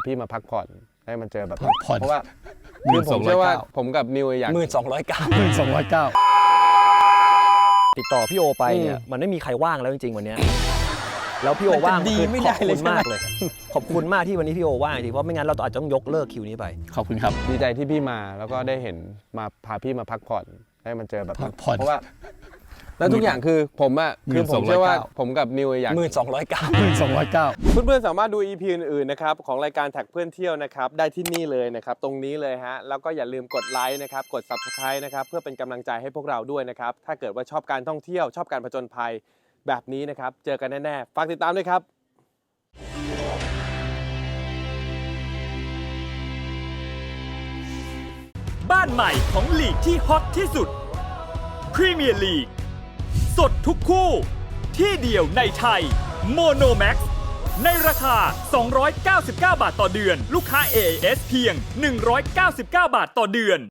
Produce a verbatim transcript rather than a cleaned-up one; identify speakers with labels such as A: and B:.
A: พี่มาพักผ่อนให้มันเจอแบบ
B: พักผ่อน
A: เพราะว่าคือผมเชื่อว่าผมกับนิวอยาก
C: หมื่นสองร้อยเก้า
B: หนึ่งสองร้อยเก้า
D: ติดต่อพี่โอไปเนี่ยมันไม่มีใครว่างแล้วจริงๆวันนี้แล้วพี่โอว่างคือขอบคุณมากเลยขอบคุณมากที่วันนี้พี่โอว่างจริงเพราะไม่งั้นเราอาจจะต้องยกเลิกคิวนี้ไป
B: ขอบคุณครับ
A: ดีใจที่พี่มาแล้วก็ได้เห็นมาพาพี่มาพักผ่อนให้มันเจอแบบ
B: พักผ่อน
A: เพราะว่าแล้วทุกอย่างคือผมอะคือผมเชื่อว่าผมกับนิวอยาก
C: หมื่นสองร้อยเก้า
B: หนึ่งสองร้อยเก้า
A: เพื่อนๆสามารถดู อี พี อื่นๆนะครับของรายการแท็กเพื่อนเที่ยวนะครับได้ที่นี่เลยนะครับตรงนี้เลยฮะแล้วก็อย่าลืมกดไลค์นะครับกด ซับสไครบ์ นะครับเพื่อเป็นกำลังใจให้พวกเราด้วยนะครับถ้าเกิดว่าชอบการท่องเที่ยวชอบการผจญภัยแบบนี้นะครับเจอกันแน่ๆฝากติดตามด้วยครับ
E: บ้านใหม่ของลีกที่ฮอตที่สุดพรีเมียร์ลีกสดทุกคู่ที่เดียวในไทยโมโนแม็กซ์ในราคาสองร้อยเก้าสิบเก้าบาทต่อเดือนลูกค้า เอ เอ เอส เพียงหนึ่งร้อยเก้าสิบเก้าบาทต่อเดือน